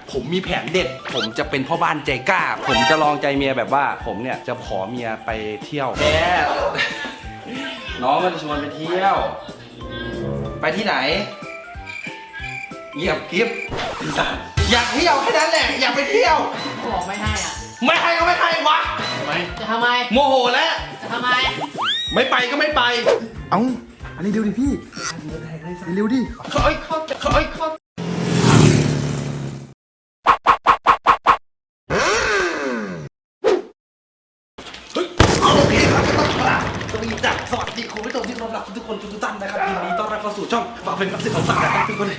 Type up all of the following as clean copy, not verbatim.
ผมมีแผนเด็ดผมจะเป็นพ่อบ้านใจกล้าผมจะลองใจเมียแบบว่าผมเนี่ยจะขอเมียไปเที่ยวแกน้องมันจะชวนไปเที่ยวไปที่ไหนเงียบกิ๊บอยากเที่ยวแค่นั้นแหละอยากไปเที่ยวบอกไม่ให้อ่ะไม่ให้ก็ไม่ให้วะทำไมจะทำไมโมโหแล้วจะทำไมไม่ไปก็ไม่ไปเอ้าอันนี้เร็วดิพี่เร็วดิเขาโอเคครับสวัสดีคุณผู้ชมที่รักทุกคนทุกท่านนะครับยินดีต้อนรับเข้าสู่ช่องฝากเป็นกับสิ่งของฝากนะครับทุกคน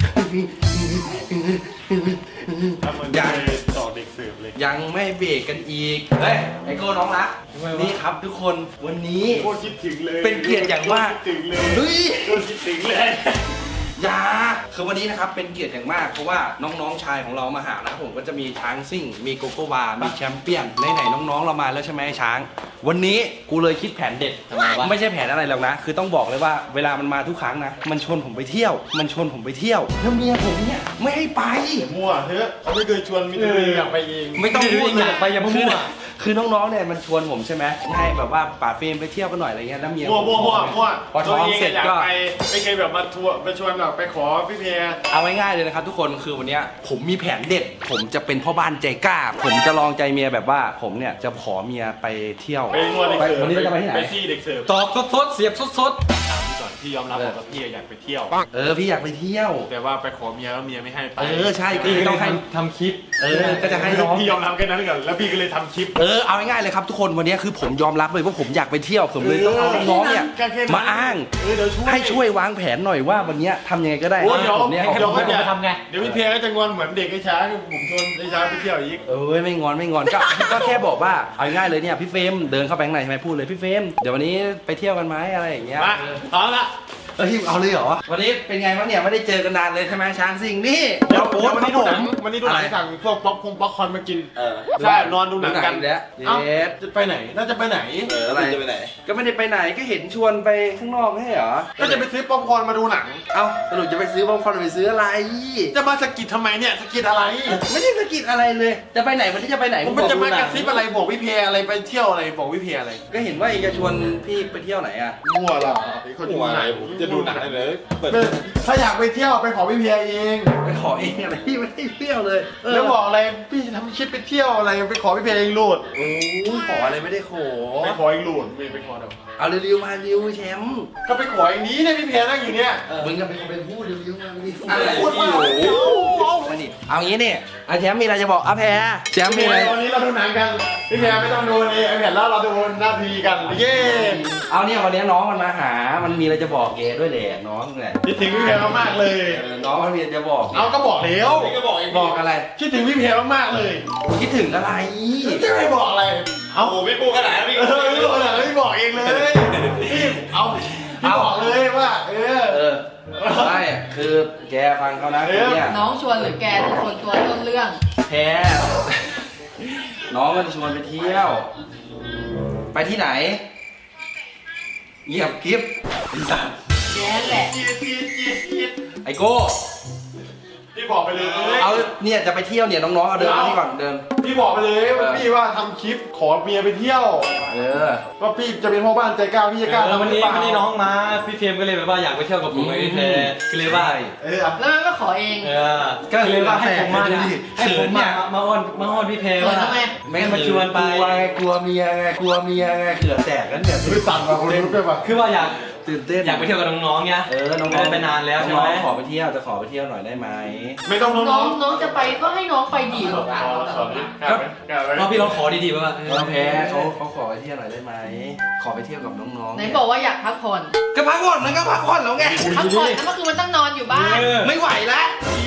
ยังต่อเด็กเสิร์ฟเลยยังไม่เบรกกันอีกเฮ้ยไอโก้น้องรักนี่ครับทุกคนวันนี้โคตรคิดถึงเลยเป็นเกียรติอย่างมากคิดถึงเลยเฮ้ยโคตรคิดถึงเลยอย่าคือวันนี้นะครับเป็นเกียรติอย่างมากเพราะว่าน้องๆชายของเรามาหานะครับผมก็จะมีช้างซิ่งมีโกโก้วามีแชมเปี้ยนไหนน้องๆเรามาแล้วใช่ไหมช้างวันนี้กูเลยคิดแผนเด็ดไม่ใช่แผนอะไรหรอกนะคือต้องบอกเลยว่าเวลามันมาทุกครั้งนะมันชวนผมไปเที่ยวแล้วเมียผมเนี่ยไม่ให้ไปมั่วเถอะเขาไม่เคยชวนมิตรอยากไปเองไม่ต้องพูดเลยไปอย่ามั่วคือน้องๆเนี่ยมันชวนผมใช่ไหมให้แบบว่าป่าเฟรมไปเที่ยวกันหน่อยอะไรเงี้ยแล้วเมียมั่วพอท้องเสร็จก็ไม่เคยแบบมาทัวร์ไปชวนแบบไปขอพี่เพียเอาง่ายๆเลยนะครับทุกคนคือวันนี้ผมมีแผนเด็ดผมจะเป็นพ่อบ้านใจกล้าผมจะลองใจเมียแบบว่าผมเนี่ยจะขอเมียไปเที่ยวไปนวดเด็กเสิร์ฟวันนี้เราจะไปที่ไหนไปซี่เด็กเสิร์ฟตอบสดๆเสียบสดถามก่อนพี่ยอมรับว่าพี่อยากไปเที่ยวพี่อยากไปเที่ยวแต่ว่าไปขอเมียแล้วเมียไม่ให้ไปใช่ก็ต้องให้ทำคลิปก็จะให้น้องพี่ยอมรับแค่นั้นก่อนแล้วพี่ก็เลยทำคลิปเอาง่ายๆเลยครับทุกคนวันนี้คือผมยอมรับเลยว่าผมอยากไปเที่ยวผมเลยต้องเอาน้องเนี่ยมาอ้างให้ช่วยวางแผนหน่อยว่าวันนี้ทำยังไงก็ได้ผมเนี่ยเดี๋ยวจะทำไงเดี๋ยวพี่เพียก็จะงอนเหมือนเด็กไอ้ช้างผมชวนไอ้ช้างไปเที่ยวอีกไม่งอนก็แค่บอกว่าเอาง่ายเลยเนี่ยพี่เฟรมเดินเข้าไปข้างในใช่ไหมพูดเลยพี่เฟรมเดี๋ยววันนี้ไปเที่ยวกันไหมอะไรอย่างเงี้ยเอาละเอาเลยเหรอวันนี้เป็นไงบ้างเนี่ยไม่ได้เจอกันนานเลยใช่ไหมช้างซิงนี่เดี๋ยววันนี้ดูหนังสั่งพวกป๊อปคอร์นมากินใช่นอนดูหนังกันแล้วจะไปไหนน่าจะไปไหนอะไรจะไปไหนก็ไม่ได้ไปไหนก็เห็นชวนไปข้างนอกไม่ใช่เหรอก็จะไปซื้อป๊อปคอร์นมาดูหนังสรุปจะไปซื้อป๊อปคอร์นไปซื้ออะไรจะมาสกิดทำไมเนี่ยสกิดอะไรไม่ได้สกิดอะไรเลยจะไปไหนวันนี้จะไปไหนมันจะมากระซิบอะไรบอกพี่เพียอะไรไปเที่ยวอะไรบอกพี่เพียอะไรก็เห็นว่าเองจะชวนพี่ไปเที่ยวไหนอ่ะมั่วหรอเขาจะไหนผมจะดูหนังเลยถ้าอยากไปเที่ยวไปขอพี่เพียเองไปขอเองอะไรพี่ไม่ได้เที่ยวเลยแล้วบอกอะไรพี่ทำคลิปไปเที่ยวอะไรไปขอพี่เพียเองรูดขออะไรไม่ได้ขอไปขอเองรูดไม่ไปขอเดี๋ยวเอาเร็วๆมาเร็วแชมป์ก็ไปขออย่างนี้เนี่ยพี่เพียนั่งอยู่เนี่ยมึงก็เป็นผู้เร็วๆมาอะไรพูดมาเอางี้นี่แชมป์มีอะไรจะบอกแพรแชมป์มีอะไรวันนี้เราดูหนังกันพี่เพียไม่ต้องดูเลยไอแผ่นแล้วเราดูหน้าทีกันเย้เอาเนี่ยวันนี้น้องมันมาหามันมีอะไรจะบอกเกด้วยแหละน้องแหละคิดถึงพี่เพียมากเลยน้องมันมีจะบอกเอาก็บอกแล้วบอกอะไรคิดถึงพี่เพียมากเลยคิดถึงอะไรจะไม่บอกอะไรเอาโอ้พี่ปูขนาดนี้พี่ปูขนาดนี้บอกเองเลยเอาพี่บอกเลยว่าใช่คือแกฟังเขานะเนี่ยน้องชวนหรือแกเป็นคนตัวต้นเรื่องแพ้น้องมันชวนไปเที่ยวไปที่ไหนเงียบกิ๊บแกแหละไอโก้พี่บอกไปเลยเอาเนี่ยจะไปเที่ยวเนี่ยน้องๆเอาเดินนี่ก่อนเดินพี่บอกไปเลยว่าพี่ว่าทำคลิปขอเมียไปเที่ยวว่าพี่จะเป็นพ่อบ้านใจกล้าพี่จะกล้าวันนี้น้องมาพี่เฟรมก็เลยแบบว่าอยากไปเที่ยวกับผมไอ้แพรก็เลยว่าแล้วมันก็ขอเองก็เลยว่าให้ผมมาอ้อนพี่แพรว่าไม่มาชวนไปกลัวเมียไงเขื่อแตกกันเนี่ยสั่งมาคนรู้ด้วยป่ะคือว่าอยากตื่นเต้นอยากไปเที่ยวกับน้องๆเนี่ยน้องไปนานแล้วใช่ไหมขอไปเที่ยวจะขอไปเที่ยวหน่อยได้ไหมไม่ต้องน้องจะไปก็ให้น้องไปดีหรอกเราพี่ลองขอดีๆป่ะแพ้เขาขอไปเที่ยวหน่อยได้ไหมขอไปเที่ยวกับน้องๆไหนบอกว่าอยากพักผ่อนก็พักผ่อนมันก็พักผ่อนแล้วไงพักผ่อนแล้วเมื่อคืนมันต้องนอนอยู่บ้านไม่ไหวแล้ว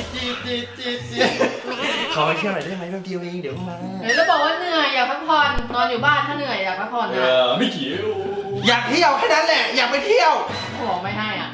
ขอไปเที่ยวหน่อยได้ไหมแป๊บเดียวเองเดี๋ยวมาแล้วบอกว่าเหนื่อยอยากพักผ่อนนอนอยู่บ้านถ้าเหนื่อยอยากพักผ่อนนะไม่เขียวอยากเที่ยวแค่นั้นแหละอยากไปเที่ยวบอกไม่ให้อ่ะ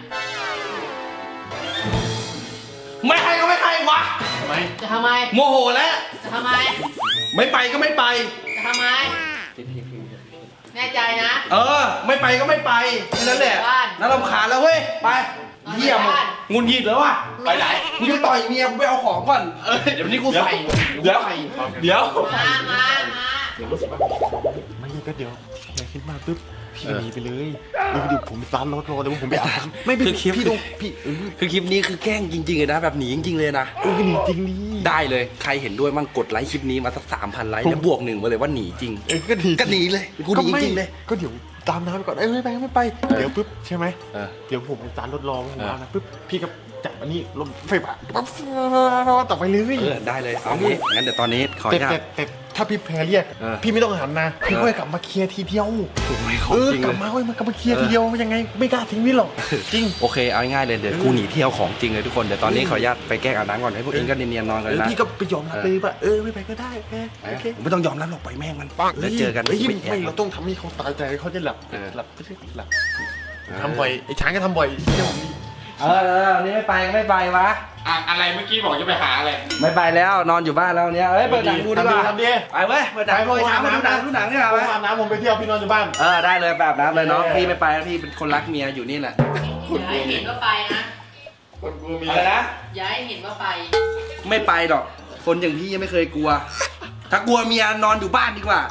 ไม่ให้ก็ไม่ให้วะทำไมจะทำไมโมโหแล้วจะทำไมไม่ไปก็ไม่ไปจะทำไมแน่ใจนะไม่ไปก็ไม่ไปแค่นั้นแหละน่ารำคาญแล้วเว้ยไปเที่ยวงุนหงิดแล้วว่ะไปไหนกูจะต่อยเมียกูไปเอาของก่อนเดี๋ยววันนี้กูใส่เดี๋ยวมาไม่ก็เดี๋ยวแค่คิดมากปุ๊บพี่หนีไปเลยเดี๋ยวผมร้านรถรอเลยว่าผมไปอาบไม่เป็นพี่ดูพี่คือคลิปนี้คือแกล้งจริงๆเลยนะแบบหนีจริงๆเลยนะก็หนีจริงดิได้เลยใครเห็นด้วยมั่งกดไลค์คลิปนี้มาสัก 3,000 ไลค์แล้วบวก 1มาเลยว่าหนีจริงก็หนีเลยกูหนีจริงๆเลยก็เดี๋ยวตามน้ำไปก่อนไม่ไปเดี๋ยวปุ๊บใช่ไหม เดี๋ยวผมร้านรถรอผมมานะปุ๊บพี่ก็จับอันนี้ลมไฟฟ้าปั๊บต่อไปเลยได้เลยเอางี้งั้นเดี๋ยวตอนนี้ขออนุญาตแต่ถ้าพี่แพรเรียกพี่ไม่ต้องหันนะพี่ค่อยกลับมาเคลียร์ทีเดียวไม่ของจริงกเลลับยมาค่อยมากลับมาเคลียร์ทีเดียวยังไงไม่กล้าทิ้งพี่หรอกจริงโอเคเอาง่ายๆเลยเดี๋ยวกูหนีเที่ยวของจริงเลยทุกคนเดี๋ยวตอนนี้ขออนุญาตไปแกล้งอาบน้ำก่อนให้พวกเองก็เนียนๆนอนกันนะพี่ก็ไปยอมรับเลยว่าไม่ไปก็ได้โอเคไม่ต้องยอมรับหรอกปล่อยแม่งมันแล้วเจอกันไม่เราต้องทำให้เขาตายใจเขาจะหลับไม่ใช่หลับทำบ่อยไอ้ช้างก็ทำบ่อยเที่ยวนี้นี่ไม่ไปวะอะไรเมื่อกี้บอกจะไปหาอะไรไม่ไปแล้วนอนอยู่บ้านแล้วเนี่ยเปิดหนังดูดีกว่าทำดีไปเว้ยเปิดหนังดูหนังดูหนังนี่แหละผมอาบน้ำผมไปเที่ยวพี่นอนอยู่บ้านได้เลยแบบน้ำเลยเนาะพี่ไม่ไปพี่เป็นคนรักเมียอยู่นี่แหละอย่าให้เห็นว่าไปนะคนกูมีอะไรนะอย่าให้เห็นว่าไปไม่ไปหรอกคนอย่างพี่ยังไม่เคยกลัว ถ้ากลัวเมียนอนอยู่บ้านดีกว่า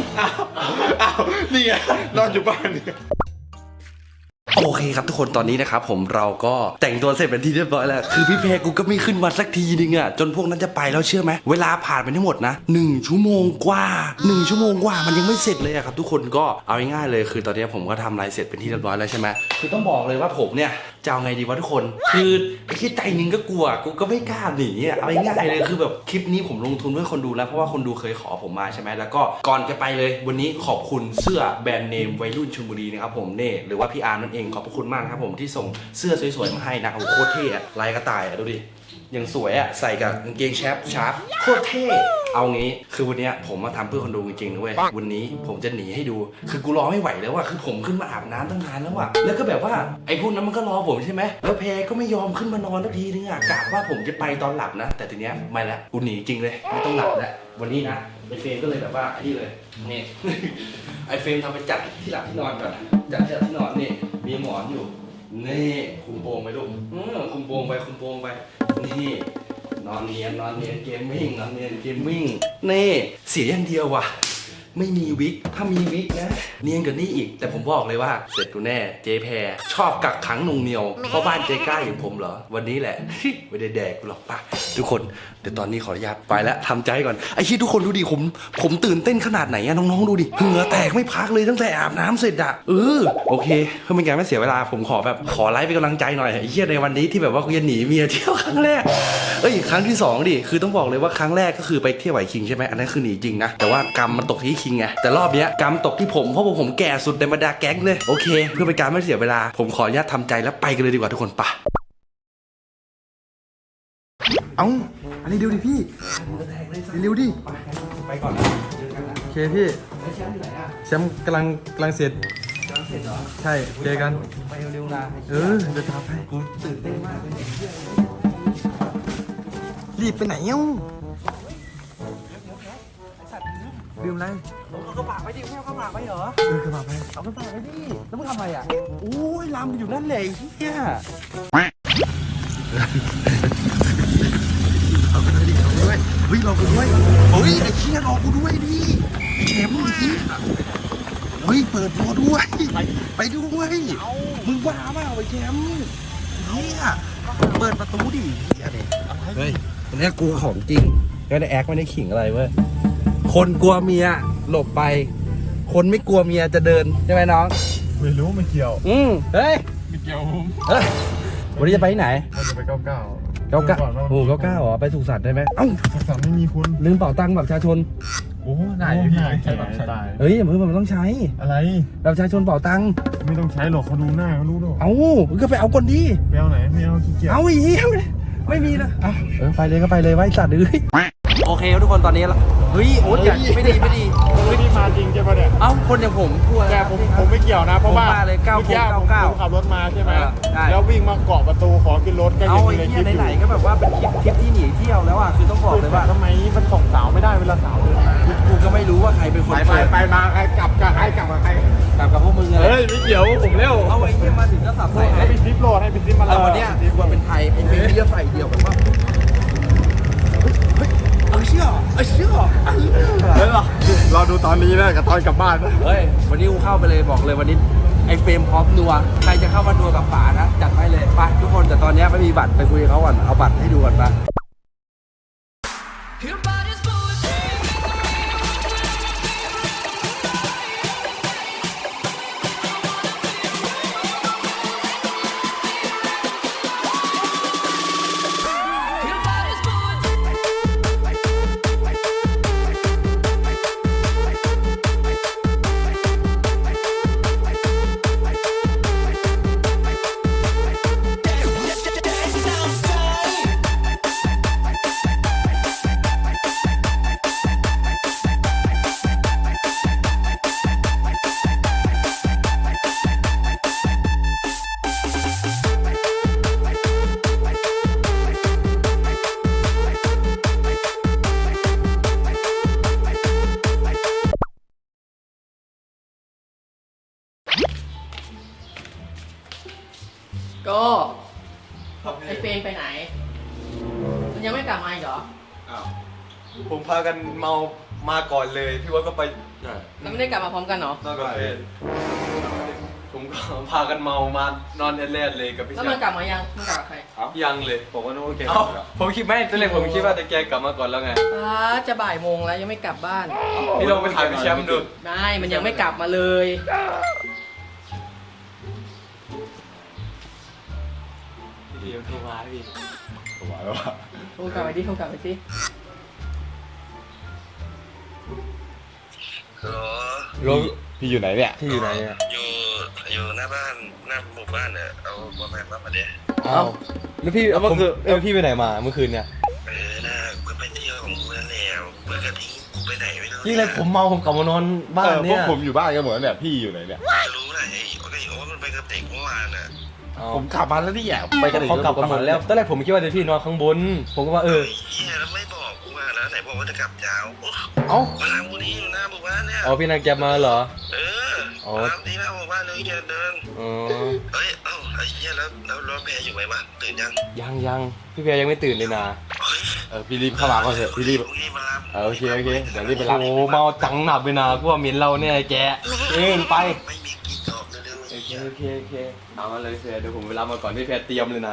นี่ไงนอนอยู่บ้านนี่โอเคครับทุกคนตอนนี้นะครับผมเราก็แต่งตัวเสร็จเป็นที่เรียบร้อยแล้วคือพี่เพกูก็ไม่ขึ้นมาสักทีนึงอ่ะจนพวกนั้นจะไปแล้วเชื่อไหมเวลาผ่านไปทั้งหมดนะ1 ชั่วโมงกว่า1 ชั่วโมงกว่ามันยังไม่เสร็จเลยอะครับทุกคนก็เอาง่ายๆเลยคือตอนนี้ผมก็ทำอะไรเสร็จเป็นที่เรียบร้อยแล้วใช่ไหมคือต้องบอกเลยว่าผมเนี่ยจะเอาไงดีวะทุกคนคือไอ้ที่ใจนึงก็กลัวกูก็ไม่กล้าหนีอ่ะเอาง่ายๆเลยคือแบบคลิปนี้ผมลงทุนเพื่อคนดูแล้วเพราะว่าคนดูเคยขอผมมาใช่ไหมแล้วก็ก่อนจะไปเลยวันนี้ขอบคุณเสื้อแบรนด์เนมวัยรุ่นชลบุรีนะครับผมเน่หรือว่าพี่อาร์นั่นเองขอบพระคุณมากครับผมที่ส่งเสื้อสวยๆมาให้นะโอ้โหโคตรเท่อะลายกระต่ายอะดูดิยังสวยอะใส่กับกางเกงแชปชาร์ปโคตรเท่เอางี้คือวันนี้ผมมาทำเพื่อคนดูจริงๆนะเว้ยวันนี้ผมจะหนีให้ดูคือกูรอไม่ไหวแล้วอะคือผมขึ้นมาอาบน้ำตั้งนานแล้วอะแล้วก็แบบว่าไอ้พวกนั้นมันก็รอผมใช่ไหมแล้วแพรก็ไม่ยอมขึ้นมานอนสักทีนึงอะกะว่าผมจะไปตอนหลับนะแต่ทีเนี้ยไม่ละกูหนีจริงเลยไม่ต้องหลับแล้ววันนี้นะไอ้เฟรมก็เลยแบบว่าไอ้นี่เลยนี่ ไอ้เฟรมทำไปจัดที่หลับที่นอนก่อนจัดที่นอนนี่มีหมอนอยู่นี่คุมโปงไปลูกคุมโปงไปนี่นอนเนียนเกมมิ่งนี่เสียอย่างเดียวว่ะไม่มีวิกถ้ามีวิกนะเนียนกว่านี้อีกแต่ผมบอกเลยว่าเสร็จกูแน่เจ๊แพรชอบกักขังนงเหนียวเพราะบ้านเจ๊กล้าอย่างผมเหรอวันนี้แหละ ไม่ได้แดกกูหรอกป่ะทุกคนเดี๋ยวตอนนี้ขออนุญาตไปแล้วทำใจก่อนไอ้ที่ทุกคนดูดิผมตื่นเต้นขนาดไหนอะน้องๆดูดิเหงื่อแตกไม่พักเลยตั้งแต่อาบน้ำเสร็จอะโอเคเพื่อเป็นการไม่เสียเวลาผมขอไลฟ์เป็นกำลังใจหน่อยไอ้เหี้ยในวันนี้ที่แบบว่ากูจะหนีเมียเที่ยวครั้งแรกครั้งที่2ดิคือต้องบอกเลยว่าครั้งแรกก็คือไปเที่ยวไหวคิงใช่ไหมอันนั้นคือหนีจริงนะแต่ว่ากรรมมันตกที่คิงไงแต่รอบเนี้ยกรรมตกที่ผมเพราะผมแก่สุดในบรรดาแก๊งเลยโอเคเพื่อเป็นการไม่เสียเวลาผมขออนุญาตทำใจแล้วไปกันเลยดีกว่าทุกคนปะเอาอันนี้เร็วดิพี่เร็วดิไปก่อนนะเจอกันนะโอเคพี่แล้วแชมป์อยู่ไหนอ่ะแชมป์กำลังเสร็จกำลังเสร็จเหรอใช่เจอกันไปเร็วๆนะเดี๋ยวตามไปกูตื่นเต้นมากเลยเนี่ยรีบไปไหนเอ้าลืมอะไรเอากระบะไปดิไม่เอากระบะไปเหรอกระบะไปเอากระบะไปดิแล้วมึงทำอะไรอ่ะโอ้ยลำอยู่นั่นแหละเนี่ยเอาไปเลยดิเอาไปด้วยเฮ้ยรอกูด้วยเฮ้ยไอ้เชี่ยรอกูด้วยดิเข็มดิเฮ้ยเปิดรอด้วยไปด้วยมึงบ้าเปล่าไอ้เข็มเนี่ยเปิดประตูดิเฮ้ยวันนี้กูของจริงก็ได้แอคไม่ได้ขิงอะไรเว้ยคนกลัวเมียหลบไป คนไม่กลัวเมียจะเดินใช่ไหมน้องไม่รู้ไม่เกี่ยวเฮ้ยไม่เกี่ยวผมเฮ้ยวันนี้จะไปที่ไหนเราจะไป99 99โอ้99เหรอไปสุสานได้ไหมเอ้าทักษะไม่มีคุณลืมเป๋าตังค์แบบประชาชนโอ้ไหนพี่ใช้ตายเฮ้ยเพื่อนมันต้องใช้อะไรแบบประชาชนเป๋าตังค์ไม่ต้องใช้หรอกเขาดูหน้าเขารู้หรอกเอ้ามึงก็ไปเอาก่อนดิไม่เอาไหนไม่เอาขี้เกียจเอาอีกไม่มีนะไปเลยก็ไปเลยไว้สัตว์เลยโอเคทุกคนตอนนี้ละเฮ้ยโอ๊ตอย่าไม่ดีไม่ได้มาจริงใช่ปะเนี่ยเอ้าคนอย่างผมกลัวแต่ผมไม่เกี่ยวนะเพราะว่าผมมาเลยเมื่อกี้ผมขับรถมาใช่ไหมใช่แล้ววิ่งมาเกาะประตูขอขึ้นรถก็เอายังไอ้เลยเหี้คิยดอยู่ไหนๆก็แบบว่าเป็นคลิปที่หนีเที่ยวแล้วอ่ะคือต้องบอกเลยว่าทำไมมันส่งสาวไม่ได้เวลาสาวเดินมากูก็ไม่รู้ว่าใครเป็นคนไปมาใครกลับกับใครกลับกับพวกมึงอะไรเฮ้ยไม่เกี่ยวผมเร็วเอาไอ้เหี้ยมาถึงก็สับใส่ให้ไปซิปโหลดให้ไปซิปมาวันเนี้ยควรเป็นไทเชื่อเฮ้ยเราดูตอนนี้นะกับตอนกลับบ้านนะเฮ้ยวันนี้กูเข้าไปเลยบอกเลยวันนี้ไอ้เฟรมพร้อมนัวใครจะเข้ามานัวกับป๋านะจัดไปเลยไปทุกคนแต่ตอนนี้ไม่มีบัตรไปคุยกับเขาก่อนเอาบัตรให้ดูก่อนไปก็ไอ้เฟรมไปไหน มันยังไม่กลับมาอีกเหรอผมพากันเมามาก่อนเลยพี่ว่าก็ไปแล้วไม่ได้กลับมาพร้อมกันเหรอนอนกับเพื่อนผมก็พากันเมามานอนแล่ๆเลยกับพี่แล้วชามันยกลับมายังมันกลับกับใครยังเลยผมก็นึกว่าแกเอ้าผมคิดไม่ตอนแรกผมคิดว่าแต่แกกลับมาก่อนแล้วไงจะบ่ายโมงแล้วยังไม่กลับบ้านพี่ลองไปถามพี่แชมป์ดูไม่มันยังไม่กลับมาเลยพี่โทรมาพี่ผมว่าแล้วว่าโทรกลับไปดิโทรกลับไปสิลงพี่อยู่ไหนเนี่ยพี่อยู่ไหนอ่ะอยู่หน้าบ้านหน้าหมู่บ้านเนี่ยเอาบอแมนมาเดี๋ยวเอ้าแล้วพี่พี่ไปไหนมาเมื่อคืนเนี่ยน่ากูไปเที่ยวของกูนั่นแหละเมื่อกี้ทิ้งกูไปไหนไม่รู้ยิ่งเลยผมเมาผมกลับมานอนบ้านพเนี่วกยผมอยู่บ้านกันหมดแล้วเนี่ยพี่อยู่ไหนเนี่ยรู้นะไอ้โอ๊ตมันไปกับเด็กเมื่อวานน่ะผมขับมาแล้วนี่แหละไปกันเขากลับกันหมดแล้วตอนแรกผมคิดว่าเดี๋ยวพี่นอนข้างบน ผมก็ว่าเฮ้ยแล้วไม่บอกกูมาแล้วไหนบอกว่าจะกลับยาวเอ้ามาทางกูนี้อยู่หน้าหมู่บ้านเนี่ยเอาพี่นางแกมาเหรอมาทางที่หน้าหมู่บ้านเลยแกเดินอ๋อเฮ้ยไอ้เหี้ยแล้วรถแพรอยู่ไหมวะตื่นยังยังพี่เบียร์ยังไม่ตื่นเลยนะเฮ้ยพี่รีบเข้ามาก่อนเถอะพี่รีบพรุ่งนี้มารับโอเคเดี๋ยวรีบไปรับโอ้เมาจังหนับเลยนะกูว่าเหม็นเราเนี่ยไอ้แกไปไม่มีกินตอบเร็วๆไอ้เหี้ยโอเคเอามาเลยเฟียเดี๋ยวผมไปรับมาก่อนพี่เฟียเตรียมเลยนะ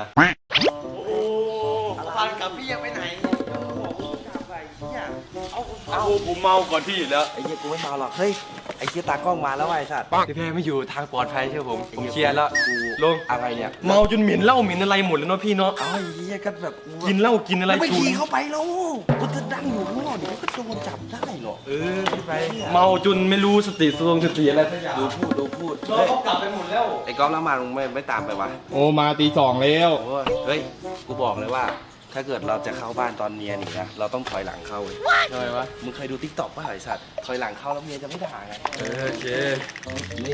พันกับพี่ยังไปไหนบอกกูกลับไปเนี่ยเอาผมเมาก่อนพี่อยู่แล้วไอ้เหี้ยกูไม่เมาหรอกเฮ้ยไอ้เหี้ยตากล้องมาแล้วไอ้สัตว์พี่เฟียไม่อยู่ทางปลอดภัยเชื่อผมเคลียร์แล้วลงอะไรเนี่ยเมาจนเหม็นเหล้าเหม็นอะไรหมดแล้วเนาะพี่เนาะเอาไอ้เหี้ยก็แบบกินเหล้ากินอะไรไม่ชูขี่เข้าไปแล้วกูจะนั่งอยู่ข้างนอกเดี๋ยวก็โดนจับได้หรอกพี่ไปเมาจนไม่รู้สติสติอะไรสักอย่างดูพูดเราเฮ้ยเขากลับไปหมดแล้วไอ้ก๊อฟแล้วมามึงไม่ตามไปวะโอ้มาตี 2แล้วโอ้ยเฮ้ยกูบอกเลยว่า ถ้าเกิดเราจะเข้าบ้านตอนเมียหนีนะเราต้องถอยหลังเข้าเลยทำไมวะมึงเคยดูทิกตอกป่ะไอ้สัตว์ถอยหลังเข้าแล้วเมียจะไม่ด่าไงโอเคนี่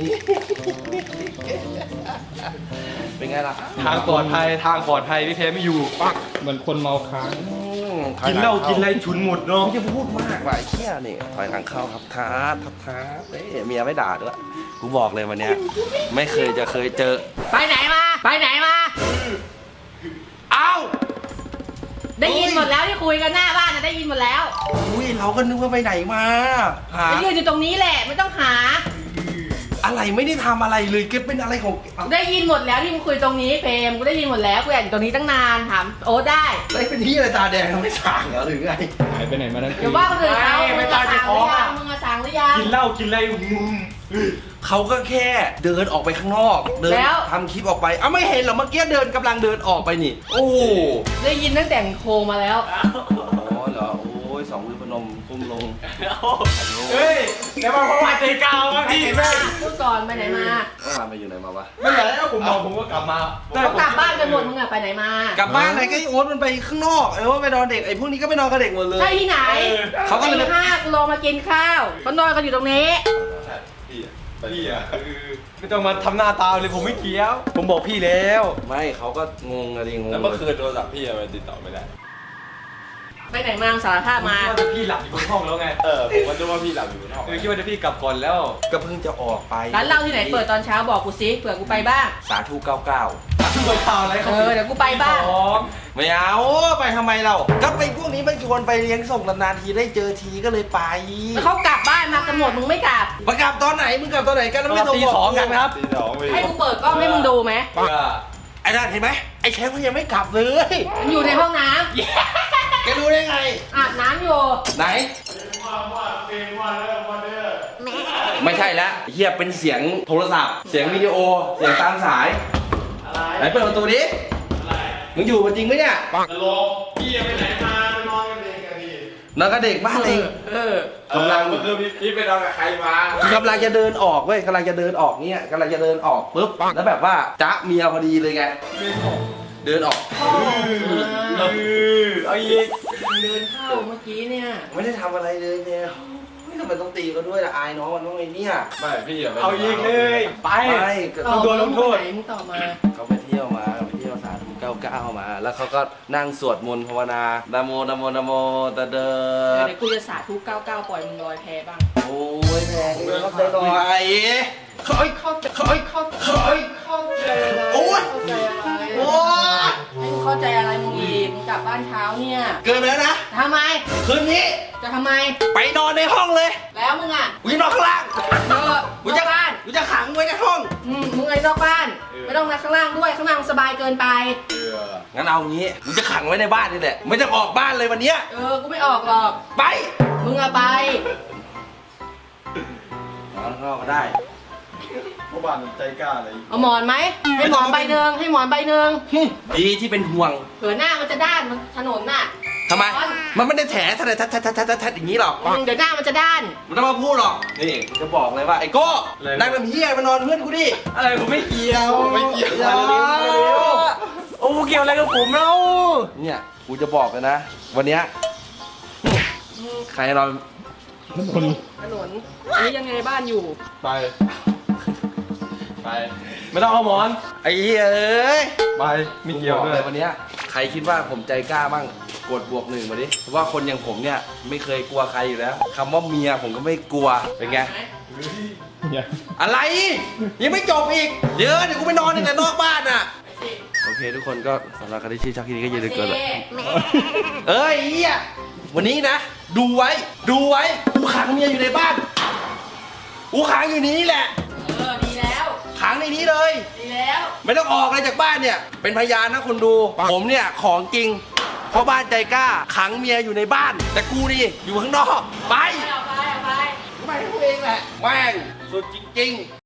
เป็นไงล่ะทางปลอดภัยพี่เฟียไม่อยู่เหมือนคนเมาค้างกินเหล้ากินอะไรฉุนหมดเนาะมึงจะพูดมากว่ะไอ้เชี่ยนี่ถอยหลังเข้าครับครับเอ้ยเมียไม่ด่าด้วยกูบอกเลยวันเนี้ยไม่เคยเจอไปไหนมา ไปไหนมาเอ้าได้ยินหมดแล้วที่คุยกันหน้าบ้านนะได้ยินหมดแล้วอุ้ยเราก็นึกว่าไปไหนมาหาไปยืนอยู่ตรงนี้แหละไม่ต้องหาอะไรไม่ได้ทำอะไรเลยเก็บเป็นอะไรของได้ยินหมดแล้วที่มึงคุยตรงนี้เฟรมกูได้ยินหมดแล้วกูอยากอยู่ตรงนี้ตั้งนานถามโอ๊ตได้อะไรเป็นที่อะไรตาแดงทำไม่สั่งเหรอหรือไงหายไปไหนมาทั้งคืเดี๋ยวน ว่าคนอื่นเขาไม่มึงตาอะจะสั่งหท้รือองยัอะงมึงอะสั่งหรือยังกินเหล้ากินอะไรเขาก็แค่เดินออกไปข้างนอกเดินแล้วทำคลิปออกไปเอ้าไม่เห็นเหรอเมื่อกี้เดินกำลังเดินออกไปนี่ โอ้โหได้ยินตั้งแต่โทรมาแล้วอ๋อเหรอโอ้ยสองมือพนมก้มลงเฮ้ยแล้วมาประวัติกาวมาพี่แม่พูดก่อนไปไหนมาเมื่อวานไปอยู่ไหนมาวะไม่อยากให้ผมเมาผมก็กลับมาเขากลับบ้านกันหมดมึงอะไปไหนมากลับบ้านไหนก็ไอ้โอ๊ตมันไปข้างนอกไอ้โอ๊ตไปนอนเด็กไอ้พวกนี้ก็ไปนอนกับเด็กหมดเลยใช่ที่ไหนเขาก็เลยตีห้ากูลงมากินข้าวเขานอนกันอยู่ตรงนี้พี่อ่ะไม่ต้องมาทำหน้าตาเลยผมไม่เกี่ยว ผมบอกพี่แล้วไม่เขาก็งงอะไรงงแล้วเมื่อคืนโทรศัพท์พี่ทำไมติดต่อไม่ได้ไปไหนมาสารภาพมาคิดว่าจะพี่หลับอยู่บนห้องแล้วไงผมก็นึกว่าพี่หลับอยู่บนห้องคิดว่าจะพี่กลับก่อนแล้วก็เพิ่งจะออกไปร้านเหล้าที่ไหนเปิดตอนเช้าบอกกูสิเผื่อกูไปบ้างสาธุ99 เปิดข่าวอะไรเออเดี๋ยวกูไปบ้านไม่เอาไปทำไมเราก็ไปพวกนี้มันชวนไปเลี้ยงส่งนานๆทีได้เจอทีก็เลยไปเขากลับบ้านมากันหมดมึงไม่กลับมากลับตอนไหนมึงกลับตอนไหนกันแล้วไม่โทรตีบอกสองกันครับตีสองไปให้กูเปิดกล้องให้มึงดูไหมไอ้นั่นเห็นไหมไอ้แชมป์มันยังไม่กลับเลยมันอยู่ในห้องน้แกรู้ได้ไงำอาบน้ำอยู่ไหนไม่ใช่แล้วเฮียเป็นเสียงโทรศัพท์เสียงวิดีโอเสียงตามสายไหนเปิดประตูดิมึงอยู่มันจริงไหมเนี่ยพี่ไปไหนมาไปนอนกับเด็กอะดินอนกับเด็กบ้านเอง กำลังเมื่อคืนพี่ไปนอนกับใครมากำลังจะเดินออกเว้ยกำลังจะเดินออกเนี่ยกำลังจะเดินออกปุ๊บแล้วแบบว่าจ๊ะเมียพอดีเลยไงเดินออกเอาอีกเดินเข้าเมื่อกี้เนี่ยไม่ได้ทำอะไรเลยเนี่ยทำไมต้องตีเขาด้วยล่ะอายน้องมันต้องไอ้เนี่ยไม่พี่อย่าไปเอาอีกเลยไปไม่ก็ต่อโดนลงโทษไหนมึงต่อมาเขาไปเที่ยวมาไปเที่ยวสาธุ99มา แล้วเขาก็นั่งสวดมนต์ภาวนานะโมนะโมนะโมตะเดอเดี๋ยวกูจะสาธุ99ปล่อยมึงลอยแพบ้างโอ้ยแรงเลยเข้าใจหน่อยเฮ้ยเข้าใจเฮ้ยเข้าใจเฮ้ยเข้าใจอะไรโอ๊ยเข้าใจอะไรโอ้ยให้มึงเข้าใจอะไรมึงอีกมึงกลับบ้านเช้าเนี่ยเกินไปแล้วนะทำไมคืนนี้จะทำไมไปนอนในห้องเลยแล้วมึงอ่ะกูจะนอนข้างล่างเออกูนจะอกบ้านกูจะขังไว้ในห้องมึงไอ้นอกบ้าน ไม่ต้องมาข้างล่างด้วย ข้างล่างสบายเกินไปงั้นเอางี้กูจะขังไว้ในบ้านนี่แหละไม่ต้องออกบ้านเลยวันเนี้ยกูไม่ออกหรอกไปมึงอะไปนอนข้างนอกก็ได้เพราะบ้านมันใจกล้าเลยเอาหมอนไหม ให้หมอนใบหนึ่งให้หมอนใบหนึ่งดีที่เป็นห่วงเผื่อหน้ามันจะด้านมันถนนน่ะทำไม มันไม่ได้แถแทอย่างนี้หรอกเดี๋ยวหน้ามันจะด้านมันต้องมาพูดหรอก นี่กูจะบอกเลยว่าไอ้โก้นั่งน้ำเฮียมานอนเพื่อนกูดิอะไรผมไม่เกี่ยวไม่เกี่ยวโอ้เกี่ยวอะไรกับผมเล่าเนี่ยกูจะบอกเลยนะ วันเนี้ยใครนอนถนน อันนี้ยังไงบ้านอยู่ไป ไปไม่ต้องเอาหมอนไอ้เหี้ยเอ้ยไปไม่เกี่ยวกูบอด้วยเลยวันเนี้ยใครคิดว่าผมใจกล้าบ้างกดบวก1มาดิเพราะว่าคนอย่างผมเนี่ยไม่เคยกลัวใครอยู่แล้วคำว่าเมียผมก็ไม่กลัวเป็นไง อะไร ยังไม่จบอีก เดี๋ยวกูไปนอนในนอกบ้านน่ะ โอเคทุกคนก็สำหรับใครที่ชื่อชักที่นี้ก็อย่าลืมกด เอ้ยเฮียวันนี้นะ ดูไว้กูขังเมียอยู่ในบ้านกูขังอยู่ในนี้แหละดีแล้วขังในนี้เลยดีแล้วไม่ต้องออกเลยจากบ้านเนี่ย เป็นพยานนะคนดู ผมเนี่ยของจริงเพราะบ้านใจกล้า ขังเมียอยู่ในบ้าน แต่กูนี่อยู่ข้างนอก ไปเอาไปไปกูเองแหละแม่งสุดจริงๆ